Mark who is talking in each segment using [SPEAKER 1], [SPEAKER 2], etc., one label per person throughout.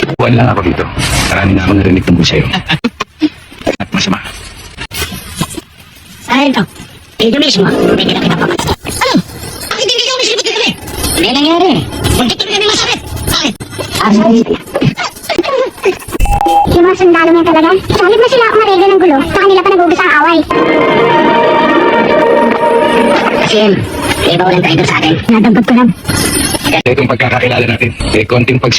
[SPEAKER 1] Buwan lang ako dito. Marami na akong narinig tungkol sa'yo. At masama.
[SPEAKER 2] Sarento, ito mismo, may kinakita pa. Ano? Bakit hindi ka umisilipot ka kami? May nangyari. Muntik kami kami masakit. Bakit? Sorry.
[SPEAKER 3] Yung mga sundalo niya talaga. Salit na sila ako maregla ng gulo. Sa kanila pa nag-uugas ang away.
[SPEAKER 2] Kasi, may iba walang traidor sa atin.
[SPEAKER 3] Nadampot ko lang.
[SPEAKER 1] Itong pagkakakilala natin, konting
[SPEAKER 2] Carlos!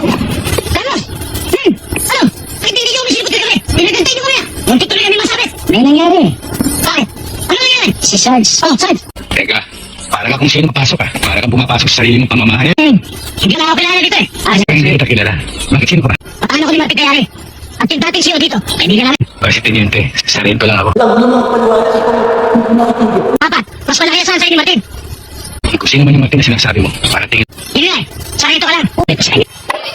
[SPEAKER 2] Ano? Bakit hindi ka umisilipot ka kami? Pinagantay niyo kami. Muntik kami kami masakit. May nangyari. Bakit? Ano nangyari? Si Sarge. Oh, Sarge.
[SPEAKER 1] Teka, parang akong sino mapasok ka. Parang kang pumapasok sa sarili mong pamamahay.
[SPEAKER 2] Hindi na ako kilala dito eh.
[SPEAKER 1] Hindi kita kilala. Bakit sino ka ba?
[SPEAKER 2] Paano ko ni Martin Kayari? At yung dating CEO dito, kaibigan namin.
[SPEAKER 1] Kasi teniente, sarili ko lang ako.
[SPEAKER 2] Apat, mas malaki ang saan ni Martin.
[SPEAKER 1] Kung sino man yung Martin na sinasabi mo, para tingin.
[SPEAKER 2] Hindi na eh, sarito ka lang. May pasangin.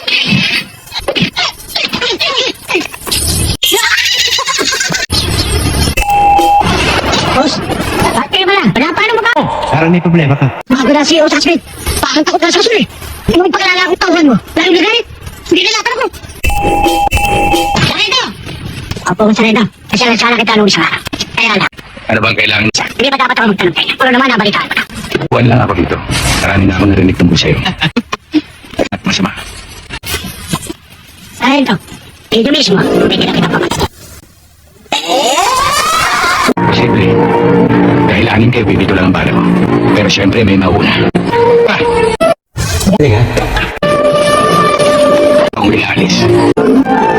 [SPEAKER 2] Boss, bakit kayo pala? Wala paano mo ba?
[SPEAKER 4] Parang may problema ka.
[SPEAKER 2] Bago na CEO sa Smith, parang takot na sa Smith. Ano yung pagkalala akong tauhan mo? Lalo na galit. Hindi na lapan ako. Sarito! Opo, Sarito. Kasi sana kita nung isa. Kaya lang.
[SPEAKER 1] Ano bang kailangan?
[SPEAKER 2] Hindi ba dapat ako magtanong kayo? Ano naman nabalitaan ko na?
[SPEAKER 1] Buwan lang ako dito. Marami na akong narinig tungkol sa'yo. At masama.
[SPEAKER 2] Sarito, ito mismo, may kinakita pa.
[SPEAKER 1] Posible. Dahil anin kayo, bibito lang ang bala ko. Pero syempre, may mauna. Ah!
[SPEAKER 4] Galing ha?
[SPEAKER 1] Ang ilalis.